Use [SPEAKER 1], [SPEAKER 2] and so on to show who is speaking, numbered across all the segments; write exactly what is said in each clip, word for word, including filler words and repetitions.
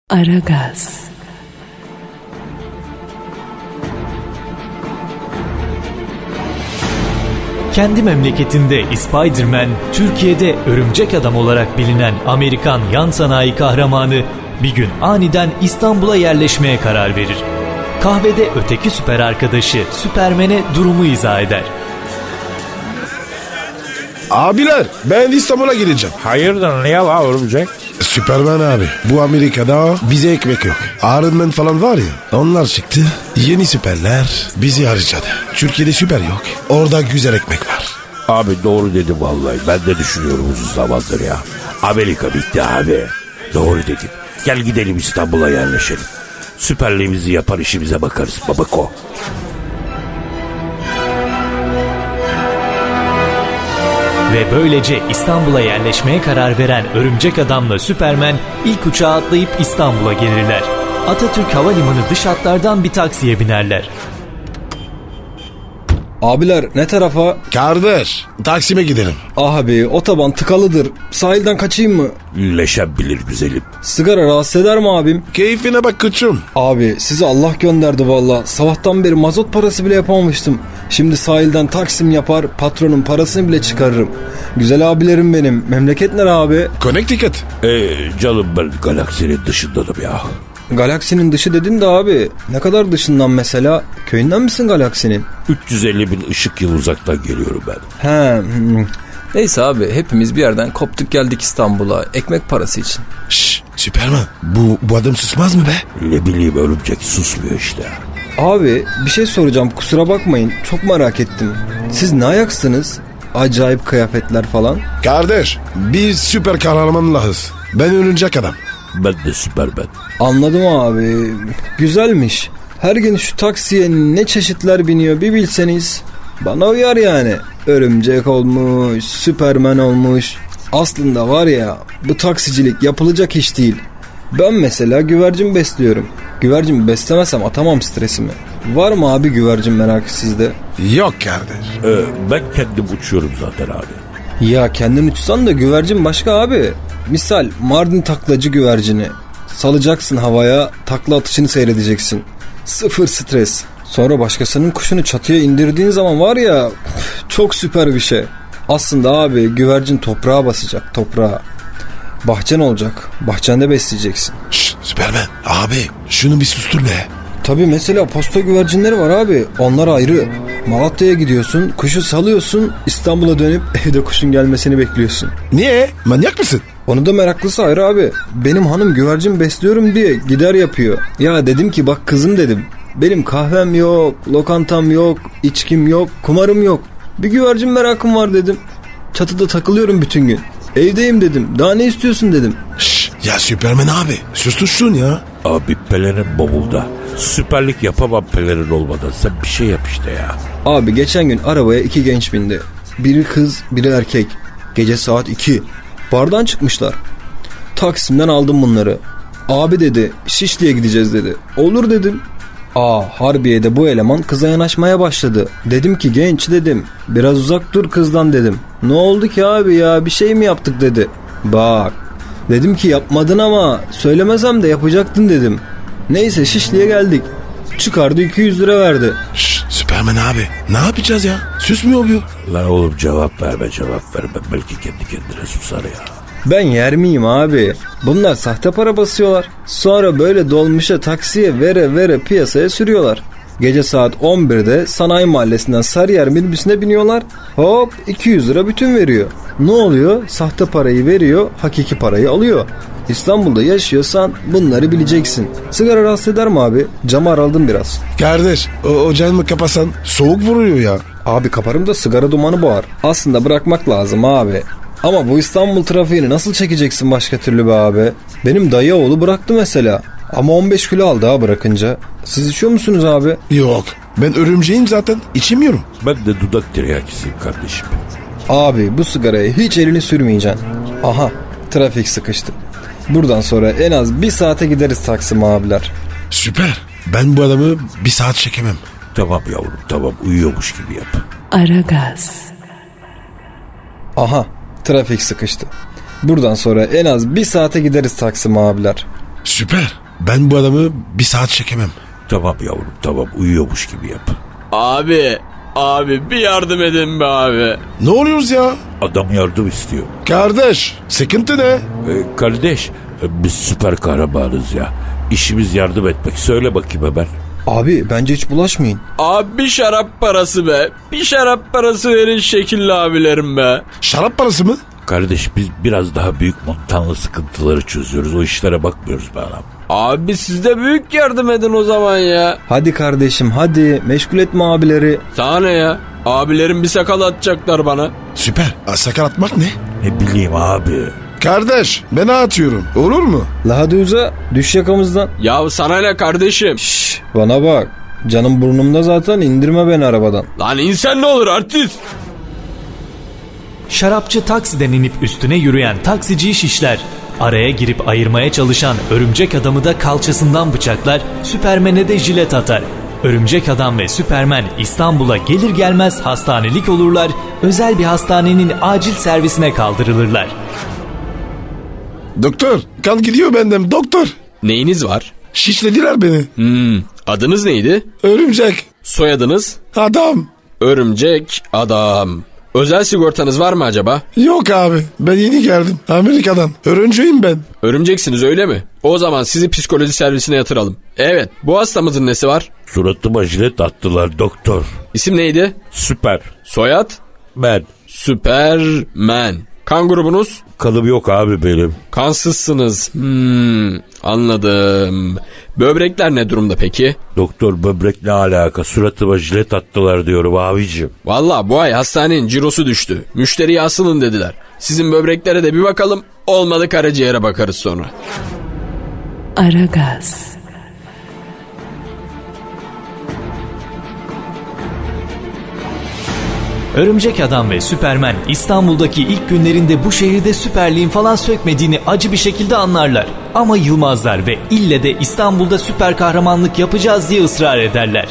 [SPEAKER 1] Aragaz.
[SPEAKER 2] Kendi memleketinde Spider-Man, Türkiye'de Örümcek Adam olarak bilinen Amerikan yan sanayi kahramanı bir gün aniden İstanbul'a yerleşmeye karar verir. Kahvede öteki süper arkadaşı Süpermen'e durumu izah eder.
[SPEAKER 3] Abiler, ben İstanbul'a gideceğim.
[SPEAKER 4] Hayırdır, niye la örümcek?
[SPEAKER 3] Süperman abi, bu Amerika'da bize ekmek yok. Iron Man falan var ya, onlar çıktı. Yeni süperler bizi harcadı. Türkiye'de süper yok. Orada güzel ekmek var.
[SPEAKER 4] Abi doğru dedim vallahi. Ben de düşünüyorum uzun zamandır ya. Amerika bitti abi. Doğru dedim. Gel gidelim İstanbul'a yerleşelim. Süperliğimizi yapar, işimize bakarız babako.
[SPEAKER 2] Ve böylece İstanbul'a yerleşmeye karar veren Örümcek Adam'la Süpermen ilk uçağa atlayıp İstanbul'a gelirler. Atatürk Havalimanı dış hatlardan bir taksiye binerler.
[SPEAKER 5] Abiler ne tarafa?
[SPEAKER 3] Kardeş, Taksim'e gidelim.
[SPEAKER 5] Abi otoban tıkalıdır. Sahilden kaçayım mı?
[SPEAKER 4] Leşebilir güzelim.
[SPEAKER 5] Sigara rahatsız eder mi abim?
[SPEAKER 3] Keyfine bak koçum.
[SPEAKER 5] Abi sizi Allah gönderdi valla. Sabahtan beri mazot parası bile yapamamıştım. Şimdi sahilden Taksim yapar, patronun parasını bile çıkarırım. Güzel abilerim benim. Memleket nere abi?
[SPEAKER 3] Connecticut.
[SPEAKER 4] Ee, canım ben galaksinin dışındanım ya.
[SPEAKER 5] Galaksinin dışı dedin de abi. Ne kadar dışından mesela? Köyünden misin galaksinin?
[SPEAKER 4] üç yüz elli bin ışık yılı uzaktan geliyorum ben.
[SPEAKER 5] He. hmm.
[SPEAKER 6] Neyse abi, hepimiz bir yerden koptuk geldik İstanbul'a ekmek parası için.
[SPEAKER 3] Şşş, Süperman, bu, bu adam susmaz mı be?
[SPEAKER 4] Ne bileyim, örümcek susmuyor işte.
[SPEAKER 5] Abi bir şey soracağım, kusura bakmayın, çok merak ettim. Siz ne ayaksınız? Acayip kıyafetler falan.
[SPEAKER 3] Kardeş, biz süper kahramanlarız. Ben Örümcek Adam.
[SPEAKER 4] Ben de Süpermen.
[SPEAKER 5] Anladım abi. Güzelmiş. Her gün şu taksiye ne çeşitler biniyor bir bilseniz. Bana uyar yani. Örümcek olmuş, Süpermen olmuş. Aslında var ya, bu taksicilik yapılacak iş değil. Ben mesela güvercin besliyorum. Güvercin beslemesem atamam stresimi. Var mı abi güvercin merakı sizde?
[SPEAKER 3] Yok kardeş.
[SPEAKER 4] Ee, ben kendim uçuyorum zaten abi.
[SPEAKER 5] Ya kendin uçsan da güvercin başka abi. Misal Mardin taklacı güvercini. Salacaksın havaya, takla atışını seyredeceksin. Sıfır stres. Sonra başkasının kuşunu çatıya indirdiğin zaman var ya, çok süper bir şey. Aslında abi güvercin toprağa basacak, toprağa. Bahçen olacak, bahçende besleyeceksin.
[SPEAKER 3] Şşş, Süperman, abi şunu bir sustur be.
[SPEAKER 5] Tabii mesela posta güvercinleri var abi, onlar ayrı. Malatya'ya gidiyorsun, kuşu salıyorsun, İstanbul'a dönüp evde kuşun gelmesini bekliyorsun.
[SPEAKER 3] Niye? Manyak mısın?
[SPEAKER 5] Onu da meraklısı ayrı abi. Benim hanım güvercin besliyorum diye gider yapıyor. Ya dedim ki bak kızım dedim. Benim kahvem yok, lokantam yok, içkim yok, kumarım yok. Bir güvercin merakım var dedim. Çatıda takılıyorum bütün gün. Evdeyim dedim. Daha ne istiyorsun dedim.
[SPEAKER 3] Şşş, ya Süperman abi sustursun ya.
[SPEAKER 4] Abi pelerin bavulda. Süperlik yapamam pelerin olmadan. Sen bir şey yap işte ya.
[SPEAKER 5] Abi geçen gün arabaya iki genç bindi. Biri kız, biri erkek. Gece saat iki. Bardan çıkmışlar. Taksim'den aldım bunları. Abi dedi, Şişli'ye gideceğiz dedi. Olur dedim. Aa, Harbiye'de bu eleman kıza yanaşmaya başladı. Dedim ki genç dedim, biraz uzak dur kızdan dedim. Ne oldu ki abi ya, bir şey mi yaptık dedi. Bak dedim ki yapmadın ama söylemesem de yapacaktın dedim. Neyse Şişli'ye geldik. Çıkardı iki yüz lira verdi.
[SPEAKER 3] Şşş, Süperman abi ne yapacağız ya? Susmuyor bu.
[SPEAKER 4] Lan oğlum cevap verme cevap verme. Belki kendi kendine susar ya.
[SPEAKER 5] Ben yer miyim abi? Bunlar sahte para basıyorlar. Sonra böyle dolmuşa taksiye vere vere piyasaya sürüyorlar. Gece saat on birde Sanayi Mahallesi'nden Sarıyer minibüsüne biniyorlar. Hop iki yüz lira bütün veriyor. Ne oluyor? Sahte parayı veriyor, hakiki parayı alıyor. İstanbul'da yaşıyorsan bunları bileceksin. Sigara rahatsız eder mi abi? Camı araldım biraz.
[SPEAKER 3] Kardeş o, o camı kapasan soğuk vuruyor ya.
[SPEAKER 5] Abi kaparım da sigara dumanı boğar. Aslında bırakmak lazım abi. Ama bu İstanbul trafiğini nasıl çekeceksin başka türlü be abi? Benim dayı oğlu bıraktı mesela. Ama on beş kilo aldı ha bırakınca. Siz içiyor musunuz abi?
[SPEAKER 3] Yok, ben örümceğim zaten, içemiyorum.
[SPEAKER 4] Ben de dudak tiryakisiyim kardeşim.
[SPEAKER 5] Abi bu sigaraya hiç elini sürmeyeceksin. Aha, trafik sıkıştı. Buradan sonra en az bir saate gideriz Taksim abiler.
[SPEAKER 3] Süper, ben bu adamı bir saat çekemem.
[SPEAKER 4] Tamam yavrum tamam, uyuyormuş gibi yap.
[SPEAKER 1] Aragaz.
[SPEAKER 5] Aha, trafik sıkıştı. Buradan sonra en az bir saate gideriz Taksim abiler.
[SPEAKER 3] Süper. Ben bu adamı bir saat çekemem.
[SPEAKER 4] Tamam yavrum tamam uyuyormuş gibi yap.
[SPEAKER 7] Abi, abi bir yardım edin be abi.
[SPEAKER 3] Ne oluyoruz ya?
[SPEAKER 4] Adam yardım istiyor.
[SPEAKER 3] Kardeş sıkıntı ne?
[SPEAKER 4] Ee, kardeş e, biz süper kahramanız ya. İşimiz yardım etmek. Söyle bakayım hemen.
[SPEAKER 5] Abi bence hiç bulaşmayın.
[SPEAKER 7] Abi bir şarap parası be. Bir şarap parası verin şekilli abilerim be.
[SPEAKER 3] Şarap parası mı?
[SPEAKER 4] Kardeş biz biraz daha büyük montanlı sıkıntıları çözüyoruz. O işlere bakmıyoruz be anam.
[SPEAKER 7] Abi siz de büyük yardım edin o zaman ya.
[SPEAKER 5] Hadi kardeşim hadi meşgul etme abileri.
[SPEAKER 7] Sana ne ya? Abilerim bir sakal atacaklar bana.
[SPEAKER 3] Süper. Aa, sakal atmak ne?
[SPEAKER 4] Ne bileyim abi.
[SPEAKER 3] Kardeş ben atıyorum. Olur mu?
[SPEAKER 5] La hadi uza düş yakamızdan.
[SPEAKER 7] Ya sana ne kardeşim?
[SPEAKER 5] Şşş bana bak. Canım burnumda zaten indirme beni arabadan.
[SPEAKER 7] Lan insan ne olur artist.
[SPEAKER 2] Şarapçı taksiden inip üstüne yürüyen taksiciyi şişler. Araya girip ayırmaya çalışan örümcek adamı da kalçasından bıçaklar, Süpermen'e de jilet atar. Örümcek adam ve Süpermen İstanbul'a gelir gelmez hastanelik olurlar, özel bir hastanenin acil servisine kaldırılırlar.
[SPEAKER 3] Doktor kan gidiyor benden doktor.
[SPEAKER 7] Neyiniz var?
[SPEAKER 3] Şişlediler beni.
[SPEAKER 7] Hmm, adınız neydi?
[SPEAKER 3] Örümcek.
[SPEAKER 7] Soyadınız?
[SPEAKER 3] Adam.
[SPEAKER 7] Örümcek adam. Özel sigortanız var mı acaba?
[SPEAKER 3] Yok abi ben yeni geldim Amerika'dan. Örümceğim ben.
[SPEAKER 7] Örümceksiniz öyle mi? O zaman sizi psikoloji servisine yatıralım. Evet, bu hastamızın nesi var?
[SPEAKER 4] Suratıma jilet attılar doktor.
[SPEAKER 7] İsim neydi?
[SPEAKER 4] Süper.
[SPEAKER 7] Soyad?
[SPEAKER 4] Ben.
[SPEAKER 7] Süpermen. Kan grubunuz?
[SPEAKER 4] Kanım yok abi benim.
[SPEAKER 7] Kansızsınız. Hmm, anladım. Böbrekler ne durumda peki?
[SPEAKER 4] Doktor böbrek ne alaka? Suratıma jilet attılar diyorum abicim.
[SPEAKER 7] Valla bu ay hastanenin cirosu düştü. Müşteriye asılın dediler. Sizin böbreklere de bir bakalım. Olmadı karaciğere bakarız sonra.
[SPEAKER 1] Aragaz.
[SPEAKER 2] Örümcek Adam ve Süpermen İstanbul'daki ilk günlerinde bu şehirde süperliğin falan sökmediğini acı bir şekilde anlarlar. Ama yılmazlar ve ille de İstanbul'da süper kahramanlık yapacağız diye ısrar ederler.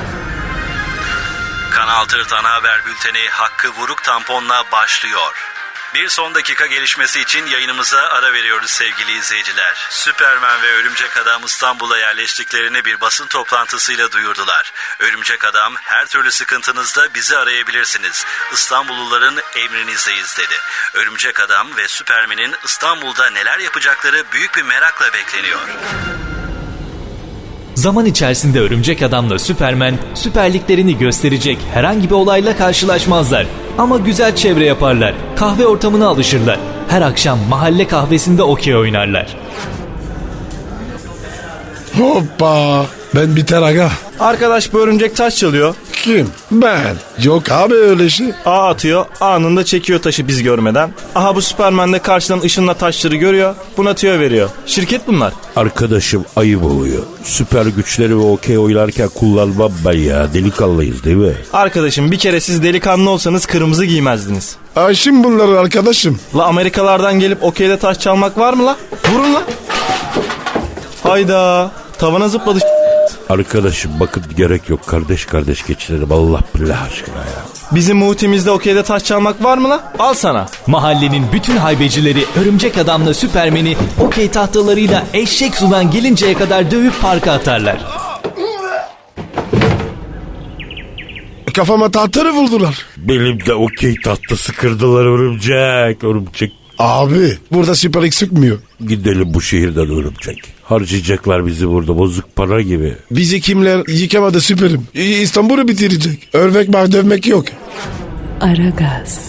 [SPEAKER 8] Kanal Tırt Ana Haber Bülteni Hakkı Vuruk Tampon'la başlıyor. Bir son dakika gelişmesi için yayınımıza ara veriyoruz sevgili izleyiciler. Süpermen ve Örümcek Adam İstanbul'a yerleştiklerini bir basın toplantısıyla duyurdular. Örümcek Adam her türlü sıkıntınızda bizi arayabilirsiniz. İstanbulluların emrinizdeyiz dedi. Örümcek Adam ve Süpermen'in İstanbul'da neler yapacakları büyük bir merakla bekleniyor.
[SPEAKER 2] Zaman içerisinde Örümcek Adam'la Süpermen süperliklerini gösterecek herhangi bir olayla karşılaşmazlar. Ama güzel çevre yaparlar, kahve ortamına alışırlar. Her akşam mahalle kahvesinde okey oynarlar.
[SPEAKER 3] Hoppa. Ben biter aga.
[SPEAKER 9] Arkadaş bu örümcek taş çalıyor.
[SPEAKER 3] Kim? Ben. Yok abi öyle şey.
[SPEAKER 9] A atıyor. Anında çekiyor taşı biz görmeden. Aha bu Süperman de karşıdan ışınla taşları görüyor. Buna tüyo veriyor. Şirket bunlar.
[SPEAKER 4] Arkadaşım ayıp oluyor. Süper güçleri ve okey oynarken kullanmam ben ya. Delikanlıyız değil mi?
[SPEAKER 9] Arkadaşım bir kere siz delikanlı olsanız kırmızı giymezdiniz.
[SPEAKER 3] Ayşim bunları arkadaşım.
[SPEAKER 9] La Amerikalardan gelip okeyde taş çalmak var mı la? Vurun la. Hayda. Tavana zıpladı.
[SPEAKER 4] Arkadaşım bakın gerek yok. Kardeş kardeş geçirelim Allah billah aşkına ya.
[SPEAKER 9] Bizim muhtimizde okeyde taş çalmak var mı la? Al sana.
[SPEAKER 2] Mahallenin bütün haybecileri Örümcek Adam'la Süpermen'i okey tahtalarıyla eşek sudan gelinceye kadar dövüp parka atarlar.
[SPEAKER 3] Kafama tahtarı vurdular.
[SPEAKER 4] Benim de okey tahtası kırdılar örümcek. Örümcek.
[SPEAKER 3] Abi burada süperlik sıkmıyor.
[SPEAKER 4] Gidelim bu şehirden örümcek. Harcayacaklar bizi burada bozuk para gibi.
[SPEAKER 3] Bizi kimler yıkamadı süperim. İstanbul'u bitirecek. Örmek var dövmek yok.
[SPEAKER 1] Aragaz.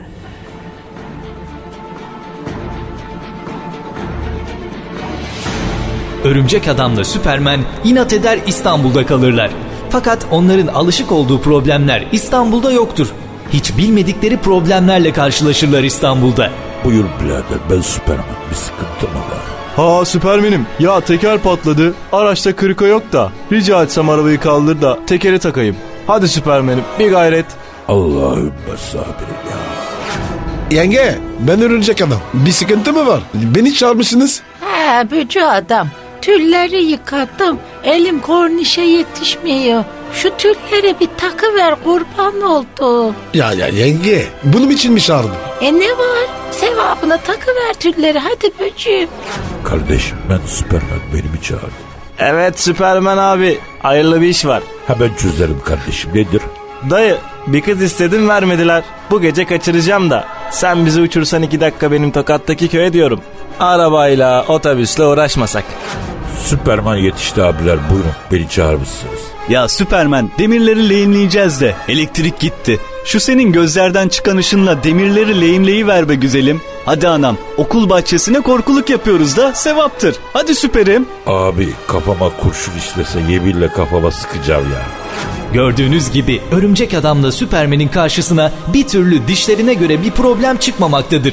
[SPEAKER 2] Örümcek Adam'la Süpermen inat eder İstanbul'da kalırlar. Fakat onların alışık olduğu problemler İstanbul'da yoktur. Hiç bilmedikleri problemlerle karşılaşırlar İstanbul'da.
[SPEAKER 4] Buyur birader ben Süperman bir sıkıntı mı var?
[SPEAKER 9] Ha Süpermenim. Ya teker patladı. Araçta kırıka yok da. Rica etsem arabayı kaldır da tekeri takayım. Hadi Süpermenim bir gayret.
[SPEAKER 4] Allahümme sabirim ya.
[SPEAKER 3] Yenge ben örümcek adam. Bir sıkıntı mı var? Beni çağırmışsınız.
[SPEAKER 10] He bücü adam. Tülleri yıkattım. Elim kornişe yetişmiyor. Şu tüllere bir takı ver kurban oldu.
[SPEAKER 3] Ya ya yenge bunun için mi çağırdın?
[SPEAKER 10] E ne var? Sevabına takı ver tülleri hadi böcüğüm.
[SPEAKER 4] Kardeşim ben Süpermen, beni mi çağırdın?
[SPEAKER 9] Evet Süpermen abi. Hayırlı bir iş var.
[SPEAKER 4] Hemen çözerim kardeşim, nedir?
[SPEAKER 9] Dayı bir kız istedim vermediler. Bu gece kaçıracağım da. Sen bizi uçursan iki dakika benim Tokat'taki köye diyorum. Arabayla otobüsle uğraşmasak.
[SPEAKER 4] Süperman yetişti abiler, buyurun, beni çağırmışsınız.
[SPEAKER 11] Ya Süpermen, demirleri lehimleyeceğiz de elektrik gitti. Şu senin gözlerden çıkan ışınla demirleri lehimleyiver be güzelim. Hadi anam, okul bahçesine korkuluk yapıyoruz da sevaptır. Hadi süperim.
[SPEAKER 4] Abi kafama kurşun işlese yeminle kafama sıkacağım ya.
[SPEAKER 2] Gördüğünüz gibi Örümcek Adam'la Süpermen'in karşısına bir türlü dişlerine göre bir problem çıkmamaktadır.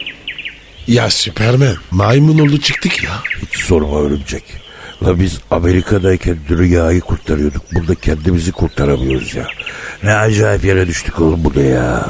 [SPEAKER 3] Ya Süpermen maymun oldu çıktık ya.
[SPEAKER 4] Hiç sorma örümcek. La biz Amerika'dayken dünyayı kurtarıyorduk. Burada kendimizi kurtaramıyoruz ya. Ne acayip yere düştük oğlum burada ya.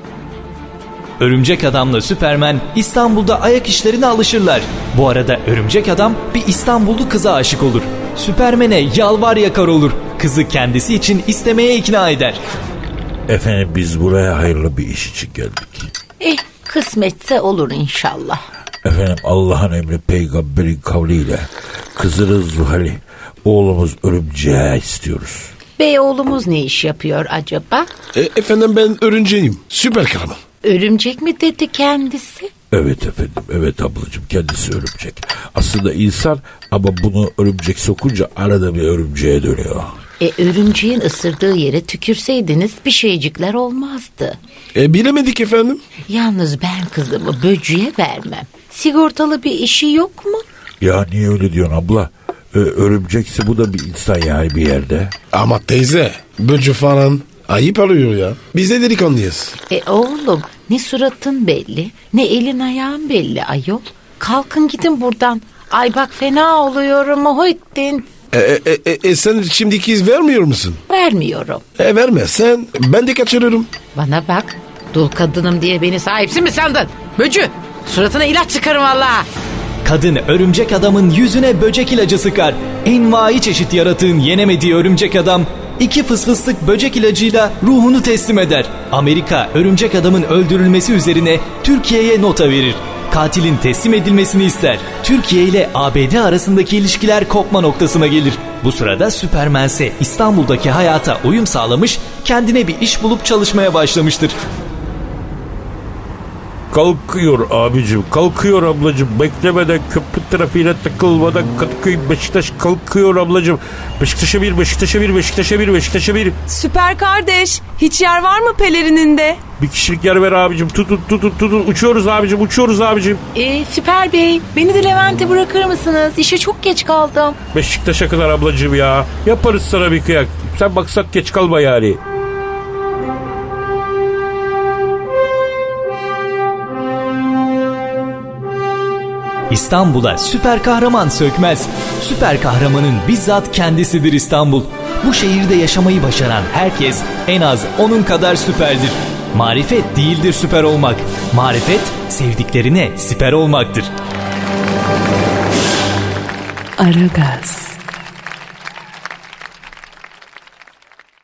[SPEAKER 2] Örümcek Adam'la Süpermen İstanbul'da ayak işlerine alışırlar. Bu arada Örümcek Adam bir İstanbullu kıza aşık olur. Süpermen'e yalvar yakar olur. Kızı kendisi için istemeye ikna eder.
[SPEAKER 4] Efendim biz buraya hayırlı bir iş için geldik.
[SPEAKER 10] Eh kısmetse olur inşallah.
[SPEAKER 4] Efendim Allah'ın emri peygamberin kavliyle kızınız Zuhal'i, oğlumuz Örümceği istiyoruz.
[SPEAKER 10] Bey oğlumuz ne iş yapıyor acaba?
[SPEAKER 3] E, efendim ben örümceğim. Süper kahraman.
[SPEAKER 10] Örümcek mi dedi kendisi?
[SPEAKER 4] Evet efendim, evet ablacığım, kendisi örümcek. Aslında insan ama bunu örümcek sokunca arada bir örümceğe dönüyor.
[SPEAKER 10] E örümceğin ısırdığı yere tükürseydiniz bir şeycikler olmazdı.
[SPEAKER 3] E bilemedik efendim.
[SPEAKER 10] Yalnız ben kızımı böcüye vermem. Sigortalı bir işi yok mu?
[SPEAKER 4] Ya niye öyle diyorsun abla? Ee, örümcekse bu da bir insan yani bir yerde.
[SPEAKER 3] Ama teyze böcü falan ayıp alıyor ya. Biz de delikanlıyız.
[SPEAKER 10] E oğlum ne suratın belli ne elin ayağın belli ayol. Kalkın gidin buradan. Ay bak fena oluyorum Muhittin.
[SPEAKER 3] E, e, e, e, sen şimdiki iz vermiyor musun?
[SPEAKER 10] Vermiyorum.
[SPEAKER 3] E vermezsen ben de kaçırırım.
[SPEAKER 10] Bana bak dul kadınım diye beni sahipsin mi sandın? Böcü suratına ilaç çıkarım valla.
[SPEAKER 2] Kadın Örümcek Adam'ın yüzüne böcek ilacı sıkar. Envai çeşit yaratığın yenemediği Örümcek Adam iki fısfıslık böcek ilacıyla ruhunu teslim eder. Amerika Örümcek Adam'ın öldürülmesi üzerine Türkiye'ye nota verir. Katilin teslim edilmesini ister. Türkiye ile A B D arasındaki ilişkiler kopma noktasına gelir. Bu sırada Süpermen ise İstanbul'daki hayata uyum sağlamış, kendine bir iş bulup çalışmaya başlamıştır.
[SPEAKER 4] Kalkıyor abicim, kalkıyor ablacım. Beklemeden, köprü trafiğine takılmadan Kadıköy Beşiktaş kalkıyor ablacım. Beşiktaş'a bir, Beşiktaş'a bir, Beşiktaş'a bir, Beşiktaş'a bir.
[SPEAKER 1] Süper kardeş, hiç yer var mı pelerininde?
[SPEAKER 4] Bir kişilik yer ver abicim. Tutun tutun tutun. Uçuyoruz abicim, uçuyoruz abicim.
[SPEAKER 10] E, Süper Bey beni de Levent'e bırakır mısınız? İşe çok geç kaldım.
[SPEAKER 4] Beşiktaş'a kadar ablacım ya. Yaparız sana bir kıyak. Sen maksat geç kalma yani.
[SPEAKER 2] İstanbul'a süper kahraman sökmez. Süper kahramanın bizzat kendisidir İstanbul. Bu şehirde yaşamayı başaran herkes en az onun kadar süperdir. Marifet değildir süper olmak. Marifet sevdiklerine siper olmaktır.
[SPEAKER 1] Aragaz.